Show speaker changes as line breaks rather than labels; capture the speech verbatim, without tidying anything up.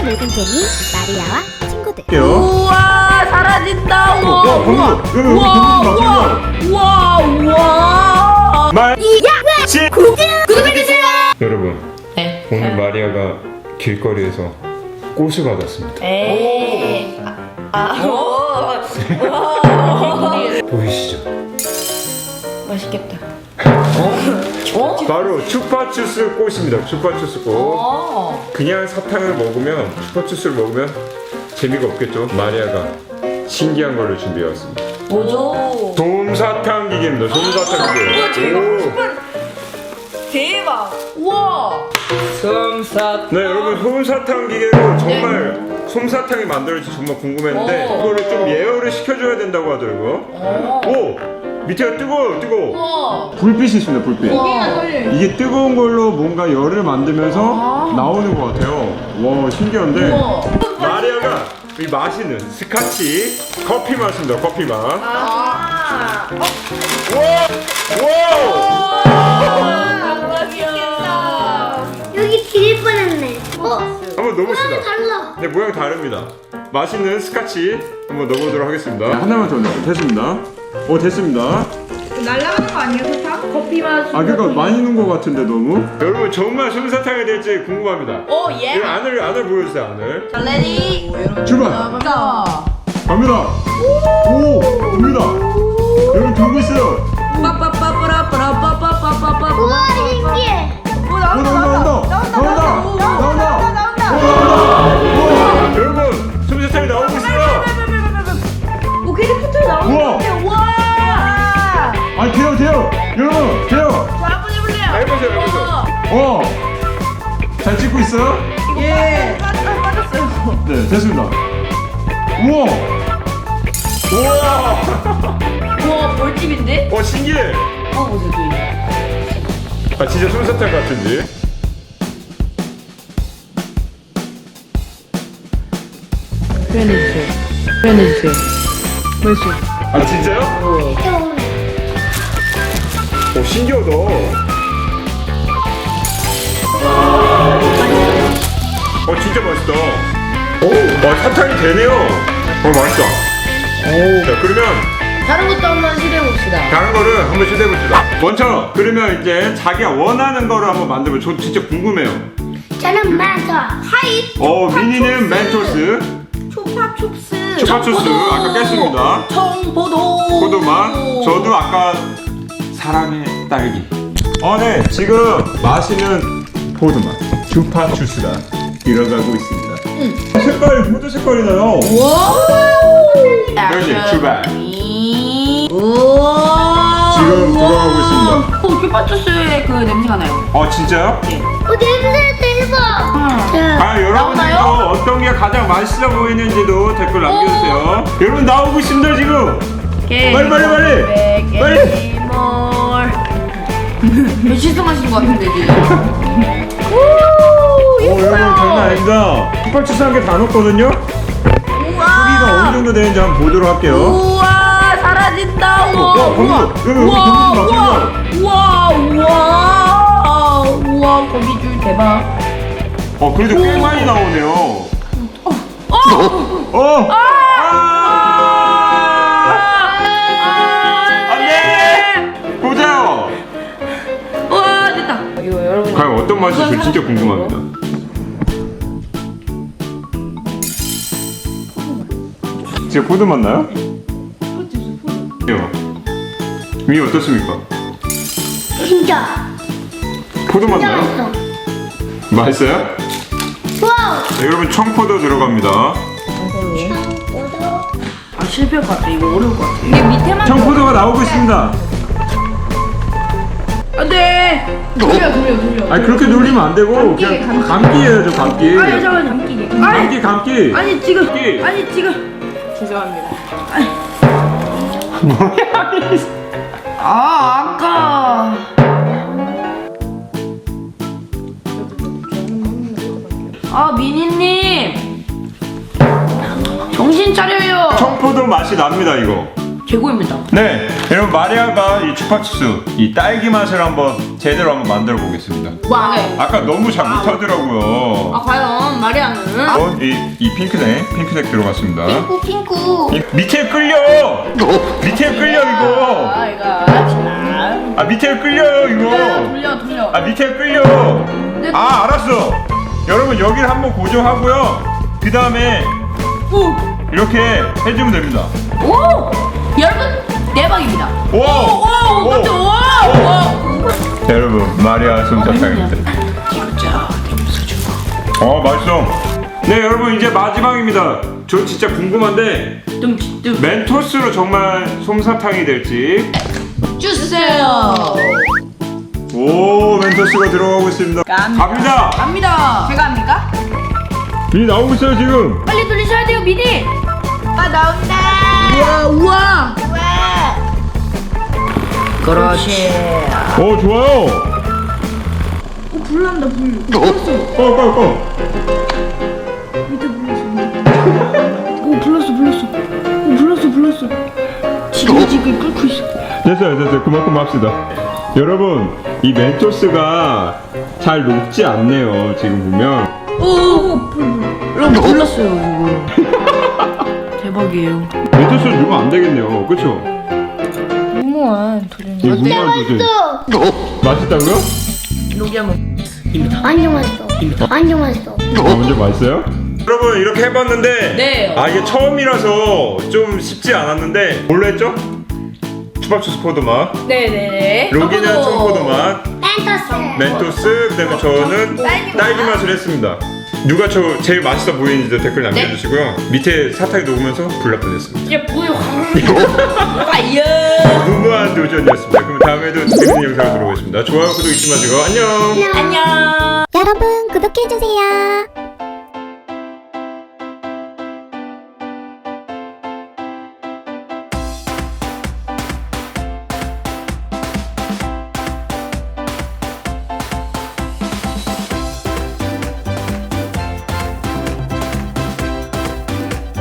새 늙은 개미 마리아와 친구들.
우와 사라진다. 우와
야,
우와
거기, 여기,
우와
거기
우와 우와 우와.
말
야! 구독해주세요!
여러분,
네.
오늘 마리아가 길거리에서 꽃을 받았습니다.
에이. 아. 오.
보이시죠?
맛있겠다.
어? 바로 추파추스 꽃입니다. 추파추스 꽃.
어.
그냥 사탕을 먹으면, 추파추스를 먹으면 재미가 없겠죠? 마리아가 신기한 거를 준비해왔습니다.
뭐죠?
솜사탕 기계입니다. 솜사탕 기계.
우와 제가 먹고 싶은. 대박. 우와. 솜사.
네, 여러분, 솜사탕 기계로 정말 솜사탕이 만들어질지 정말 궁금했는데
오.
이거를 좀 예열을 시켜줘야 된다고 하더라고요.
오.
오! 밑에가 뜨거워요, 뜨거워.
우와.
불빛이 있습니다, 불빛.
우와.
이게 뜨거운 걸로 뭔가 열을 만들면서
아.
나오는 것 같아요. 와, 신기한데.
우와.
마리아가 이 마시는 스카치 커피 맛입니다, 커피 맛.
아.
와!
대박이야.
여기 지릴 뻔했네. 어?
한번 넣어봅시다.
모양이 달라.
네, 모양이 다릅니다. 맛있는 스카치 한번 넣어보도록 하겠습니다. 네, 하나만 더 넣어. 됐습니다. 오, 됐습니다.
날라가는 거 아니에요, 사탕?
커피 맛.
아, 그러니까 많이 넣은 것 같은데 너무. 여러분, 정말 솜사탕이 될지 궁금합니다.
오 예.
이 안을 안을 보여주세요, 안을.
자 레디.
출발.
자.
갑니다. 오, 갑니다. 여러분 돌고 있어요.
빠빠빠빠라빠라빠빠빠빠빠.
우와, 신기해.
오
오,
나온다
나온다,
나온다
나온다, 나온다, 나온다. 우와, 여러분, 솜사탕이 나오고 있어요.
오 캐리포터 나오는
우와.
것 같아요. 우와.
아, 돼요, 돼요. 여러분, 돼요.
자 한번 해볼래요.
해보세요, 해보세요. 어, 잘 찍고 있어요?
예. 빠졌어요.
네, 됐습니다. 우와, 우와,
우와 벌집인데?
어, 신기해.
어 보세요 저기.
아, 진짜 솜사탕 같은데?
표현해주세요. 표현해주세요. 벌써.
아, 진짜요? 오, 신기하다. 어, 진짜 맛있다. 오, 와, 사탕이 되네요. 어, 맛있다.
오.
자, 그러면
다른 것도 한번 시도해봅시다.
다른 거를 한번 시도해봅시다. 먼저, 그러면 이제 자기가 원하는 거를 한번 만들면 저 진짜 궁금해요.
저는 마서 하이.
어, 미니는 멘토스,
초파촉스.
추파추스 아까 깼습니다.
청포도.
포도맛. 저도 아까 사랑의 딸기. 어, 네. 지금 마시는 포도맛. 추파추스가 들어가고 있습니다. 색깔이 포도 색깔이 나요.
우와.
그렇지, 출발.
우와.
지금 돌아가고 있습니다.
오, 초파촉스의 그 냄새가 나요.
어, 진짜요?
어, 냄새 대박. 자,
과연 여러분들도
나오나요?
어떤 게 가장 맛있어 보이는지도 댓글 남겨주세요. 여러분 나오고 있습니다 지금. 빨리, 빨리, 빨리. 빨리.
뭘. 몇 실성하신 것 같은데 지금.
어, 여러분 장난 아닙니다. 슈퍼추스 한 개 다 넣었거든요. 크기가 어느 정도 되는지 한번 보도록 할게요.
우와 사라진다. 우와
야, 거기,
우와
여기, 여기
우와
거기 좀
우와 우와 우와 우와 거미줄 대박.
어, 그래도 꽤 많이 나오네요.
어.
어. 아! 안돼. 보세요.
우와 됐다. 이거 여러분.
과연 어떤 맛일지 진짜 궁금합니다. 진짜 포도 맛 나요? 위 어떻습니까?
진짜.
포도 맛
진짜
나요?
맛있어.
맛있어요?
와우.
네, 여러분 청포도 들어갑니다.
아 실패할 것 같아. 이거 어려울 것 같아. 이게 밑에만.
청포도가 나오고 있습니다.
안돼. 돌려 돌려 돌려.
아니 그렇게 놀리면 안 되고
감기,
그냥
감기.
감기예요, 저 감기.
아 잠깐만 감기게.
감기 감기.
아니 지금.
감기.
아니 지금. 죄송합니다. 아 아까. 아 미니님 정신 차려요.
청포도 맛이 납니다, 이거.
최고입니다.
네, 여러분 마리아가 이 추파추스 이 딸기 맛을 한번 제대로 한번 만들어 보겠습니다.
와. 네.
아까 너무 잘 못하더라고요.
아 과연 마리아 다음은
어, 이, 이 핑크색, 핑크색 들어갔습니다.
핑크 핑크.
이, 밑에 끌려! 밑에 끌려, 이거!
아 이거 자.
아, 밑에 끌려요, 이거!
돌려 돌려.
아, 밑에 끌려! 아, 알았어! 여러분, 여기를 한번 고정하고요. 그 다음에
오.
이렇게 해주면 됩니다.
오. 여러분 대박입니다.
오!
오. 오. 깜짝. 오. 오.
자, 여러분, 마리아 솜사탕입니다.
진짜 땡겨서
어, 맛있어. 네, 여러분, 이제 마지막입니다. 저 진짜 궁금한데,
dumdumdum.
멘토스로 정말 솜사탕이 될지.
주세요.
오, 멘토스가 들어가고 있습니다.
갑니다.
갑니다!
갑니다. 제가 합니까?
미니 나오고 있어요, 지금.
빨리 돌리셔야 돼요, 미니. 아 나온다. 우와 우와. 우와. 그렇지.
오, 좋아요.
오 불난다 불.
꺼, 꺼, 꺼.
오 불났어 불났어. 오 불났어 불났어. 지글지글 끓고 있어.
됐어요, 됐어요. 그만, 그만 합시다. 여러분, 이 멘토스가 잘 녹지 않네요, 지금 보면.
오. 여러분 불났어요 이거. 대박이에요.
멘토스 누가 안 되겠네요. 그쵸?
무모한 도전.
이거 무모한 도전.
또
맛있다고요?
녹이야 먹.
완전 맛있어. 완전 맛있어.
어, 먼저 맛있어요? 여러분, 이렇게 해봤는데.
네.
아, 이게 처음이라서 좀 쉽지 않았는데. 뭘로 했죠? 추밥추스 포도 맛.
네네네.
로기는 청포도 맛.
멘토스.
멘토스, 그 다음에 저는
딸기 맛.
딸기 맛을 했습니다. 누가 저 제일 맛있어 보이는지도 댓글 남겨주시고요. 밑에 사탕이 녹으면서 불납도 됐습니다.
이게 뭐야? 아이야.
무모한 도전이었습니다. 그럼 다음에도 재밌는 영상으로 돌아오겠습니다. 좋아요, 구독 잊지 마시고 안녕.
안녕.
여러분 구독해주세요.